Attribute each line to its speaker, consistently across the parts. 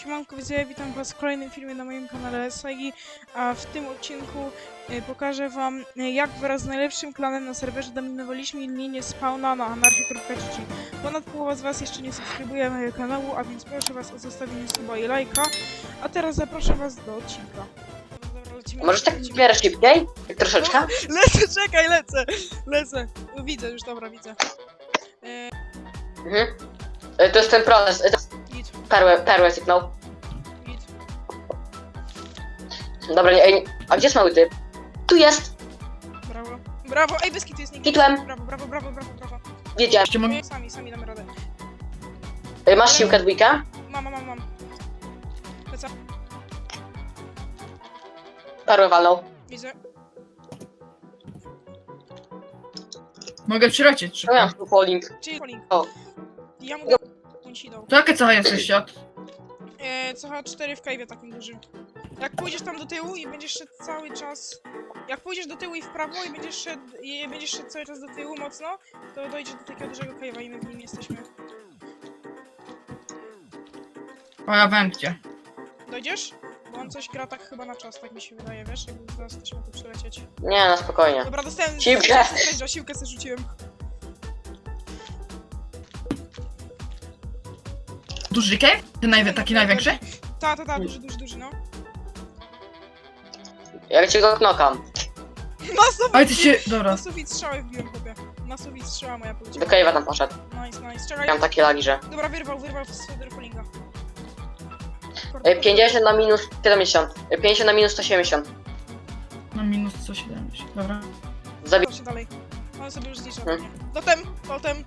Speaker 1: Siemanko widzowie, witam was w kolejnym filmie na moim kanale Sagi, a w tym odcinku pokażę wam jak wraz z najlepszym klanem na serwerze dominowaliśmy linię spawna na anarchia.gg. Ponad połowa z was jeszcze nie subskrybuje mojego kanału, a więc proszę was o zostawienie suba i lajka, a teraz zapraszam was do odcinka. Dobra, lecimy.
Speaker 2: Możesz tak w miarę szybciej? Tak troszeczkę?
Speaker 1: Lecę, czekaj, lecę. Widzę już, dobra, widzę.
Speaker 2: Mhm. To jest ten proces.
Speaker 1: Git,
Speaker 2: Perłę sypnął.
Speaker 1: git.
Speaker 2: Dobra, nie, ej, a gdzie jest mały typ? Tu jest!
Speaker 1: Brawo, brawo, ej, Beskid jest nikt.
Speaker 2: Kitłem.
Speaker 1: Brawo.
Speaker 2: Wiedziałem.
Speaker 1: Sami damy radę.
Speaker 2: Masz siłkę dwójkę?
Speaker 1: Mam. Lecę,
Speaker 2: Perłę walnął.
Speaker 1: widzę.
Speaker 3: Mogę przylecieć
Speaker 2: No
Speaker 3: szybko.
Speaker 2: miałem tu polling.
Speaker 1: Czyli polling.
Speaker 2: O.
Speaker 1: Ja mu dam. On ci dał.
Speaker 3: To jakie cała jesteś świat?
Speaker 1: CH4 w cave'ie takim dużym. Jak pójdziesz tam do tyłu i będziesz szedł cały czas... Jak pójdziesz do tyłu i w prawo i będziesz szedł cały czas do tyłu mocno, to dojdziesz do takiego dużego cave'a i my w nim jesteśmy.
Speaker 3: O, ja wiem gdzie.
Speaker 1: Dojdziesz? Bo on coś gra tak chyba na czas, tak mi się wydaje, wiesz? Jakby zaraz też ma tu przylecieć.
Speaker 2: Nie, no spokojnie.
Speaker 1: Dobra, dostałem...
Speaker 2: Siłkę.
Speaker 1: Siłkę sobie rzuciłem.
Speaker 3: Duży cave? Ten taki największy?
Speaker 1: Ta, duży, no.
Speaker 2: Ja cię go knokam.
Speaker 1: Na sufit!
Speaker 3: Ale ty się... Dobra.
Speaker 1: Na sufit strzały wbiłem, chłopie. Na sufit strzała moja
Speaker 2: Do
Speaker 1: poleciała.
Speaker 2: cave'a tam poszedł.
Speaker 1: Nice, czekaj.
Speaker 2: Miałem takie lagi, że...
Speaker 1: Dobra, wyrwał z Federpolinga.
Speaker 2: 50 na minus 70. 50 na minus 170.
Speaker 3: Na minus 170. Dobra.
Speaker 2: Zabi...
Speaker 1: Proszę dalej. On sobie już zlicza
Speaker 2: Hmm.
Speaker 1: pewnie. Totem.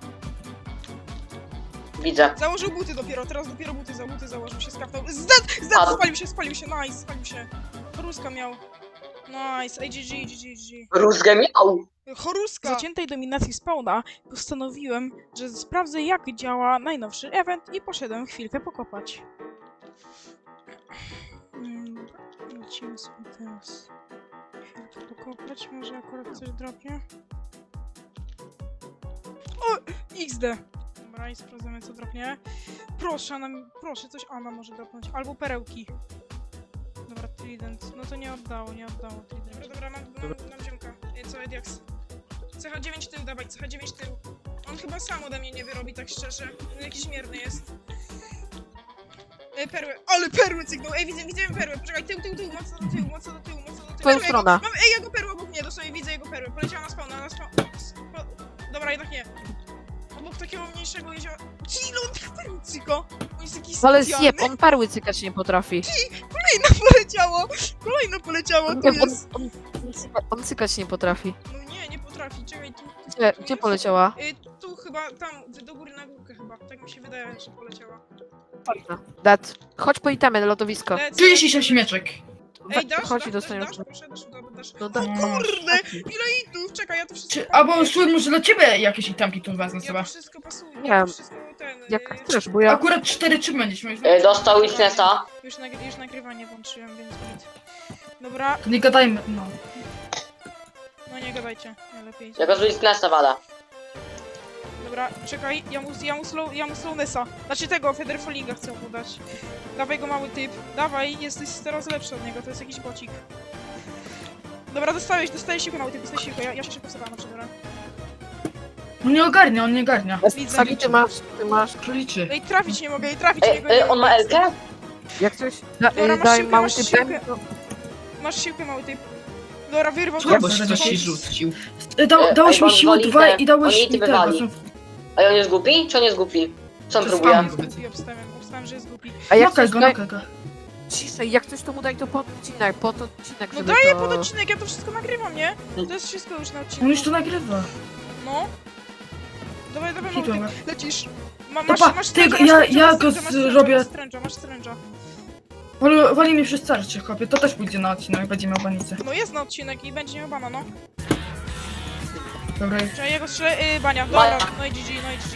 Speaker 2: Widzę.
Speaker 1: Założył buty dopiero, teraz dopiero buty założył się, skapnął.
Speaker 2: Padł.
Speaker 1: Spalił się, nice, spalił się. Choruska miał. Nice, ej, GG.
Speaker 2: Rózgę miał.
Speaker 1: Choruska! Z zaciętej dominacji spawna postanowiłem, że sprawdzę jak działa najnowszy event i poszedłem chwilkę pokopać. Lecimy sobie teraz. Chwilkę pokopać, może akurat coś dropnie. O! XD! Dobra, i sprawdzamy co dropnie. Proszę, coś Anna może dropnąć. Albo perełki. Dobra, Trident. No to nie oddało Trident. Dobra, mam ziomka. Co, Ediax? CH9 tył, dawaj, CH9 tył. On chyba sam ode mnie nie wyrobi, tak szczerze. On jakiś mierny jest. Perły, ale perły cygnął. Ej, widzę perłę. Poczekaj, tył, mocno do tyłu.
Speaker 4: Twoją stronę.
Speaker 1: Ej, jego perłę obok mnie, dosłownie widzę jego perłę. Poleciała na spawn. Dobra, jednak nie. Obok takiego mniejszego jeziora. Ile on tych perł cyko? On jest jakiś
Speaker 4: Ale
Speaker 1: specjalny.
Speaker 4: zjeb, on perły cykać nie potrafi.
Speaker 1: Kolejno poleciało, tu
Speaker 4: Nie,
Speaker 1: jest.
Speaker 4: on cykać nie potrafi.
Speaker 1: No nie potrafi, czekaj, tu...
Speaker 4: Gdzie poleciała?
Speaker 1: Tu chyba, tam, do góry na górkę chyba. Tak mi się wydaje, że poleciała.
Speaker 4: Dat. Chodź po itemy, lodowisko.
Speaker 1: Lecę.
Speaker 3: 36 mieczek.
Speaker 1: Ej, dasz,
Speaker 4: Chodź i dostaniesz.
Speaker 1: proszę, dasz.
Speaker 4: No
Speaker 1: O
Speaker 4: da-
Speaker 1: kurde, ile itów, czekaj, ja to wszystko...
Speaker 3: Albo Szul, może dla ciebie jakieś itemki tu wezmę
Speaker 1: Ja
Speaker 3: sobie.
Speaker 1: to wszystko pasuje,
Speaker 4: Nie.
Speaker 1: ja to wszystko
Speaker 4: Jak chcesz, bo ja...
Speaker 3: Akurat 4 czy będziesz miał.
Speaker 2: Dostał witnessa.
Speaker 1: Już nagrywanie włączyłem, więc git. Dobra,
Speaker 3: Nie gadajmy, no.
Speaker 1: no nie gadajcie, nie lepiej.
Speaker 2: Ja go z witnessa walę.
Speaker 1: Dobra, czekaj, ja mu slownessa. Znaczy tego, Federfolinga chcę mu dać. Dawaj go, mały typ. Dawaj, jesteś teraz lepszy od niego, to jest jakiś bocik. Dobra, dostajesz siłkę, mały typ, dostajesz siłkę, ja się szybko sobie dobra.
Speaker 3: On nie ogarnia.
Speaker 1: Widzę.
Speaker 4: Sagi, ty masz...
Speaker 3: Króliczy.
Speaker 1: Ej, trafić nie mogę,
Speaker 2: On ma Elkę?
Speaker 4: Jak coś...
Speaker 1: Dobra, masz
Speaker 4: daj
Speaker 1: siłkę,
Speaker 4: mały
Speaker 1: masz
Speaker 4: typ.
Speaker 1: siłkę. Masz siłkę, mały typ. Dobra, wyrwał
Speaker 3: Co? Bo
Speaker 1: teraz.
Speaker 3: się rzucił.
Speaker 2: Ej,
Speaker 3: Dałeś mi
Speaker 2: on
Speaker 3: siłę
Speaker 2: wali
Speaker 3: 2
Speaker 2: te-
Speaker 3: i dałeś
Speaker 2: oni
Speaker 3: mi
Speaker 2: ty
Speaker 3: tego.
Speaker 2: wywali. A on jest głupi? Czy on jest głupi? Co on
Speaker 3: To
Speaker 2: próbuje?
Speaker 3: spam.
Speaker 1: Obstawiam, że jest głupi.
Speaker 4: A jak
Speaker 3: Nokaj
Speaker 4: coś
Speaker 3: go,
Speaker 4: daj...
Speaker 3: nokaj go.
Speaker 4: Ciszej, jak coś to mu daj to pod odcinek,
Speaker 1: No
Speaker 4: żeby
Speaker 1: daję
Speaker 4: to...
Speaker 1: pod odcinek, ja to wszystko nagrywam, nie? To jest wszystko już na
Speaker 3: On
Speaker 1: odcinku.
Speaker 3: już to nagrywa.
Speaker 1: No. Dawaj, mały
Speaker 3: Dobra.
Speaker 1: typ. Lecisz.
Speaker 3: Dobra, ja go zrobię.
Speaker 1: Masz stręża.
Speaker 3: Wali mi przez starcie, chłopie. To też pójdzie na odcinek, będzie miał banicę.
Speaker 1: No jest na odcinek i będzie miał bana, no.
Speaker 3: Dobra.
Speaker 1: Czekaj, jego strzelę, bania. Dobra, no i GG.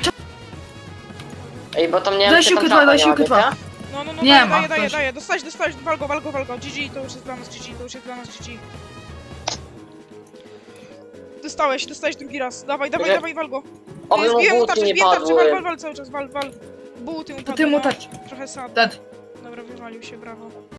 Speaker 2: Ej, bo tam nie wiem,
Speaker 3: Daj
Speaker 2: czy
Speaker 3: siłkę
Speaker 2: tam
Speaker 3: dwa, daj
Speaker 2: trapa
Speaker 3: siłkę
Speaker 2: nie ma,
Speaker 3: dwa.
Speaker 2: wiecie?
Speaker 1: No,
Speaker 3: Nie ma,
Speaker 1: daję.
Speaker 3: ktoś.
Speaker 1: Dostałeś, wal go. GG, to już jest dla nas GG. Dostałeś drugi raz. Dawaj, wal go.
Speaker 2: Oby mu
Speaker 1: Zbiłem mu
Speaker 2: buty
Speaker 1: tarczę,
Speaker 2: nie
Speaker 1: zbiłem tarczę,
Speaker 2: padły.
Speaker 1: wal cały czas, wal. Buty mu
Speaker 3: To
Speaker 1: padły,
Speaker 3: ty mu
Speaker 1: no.
Speaker 3: tak.
Speaker 1: Trochę sad.
Speaker 3: Dead.
Speaker 1: Dobra, wywalił się, brawo.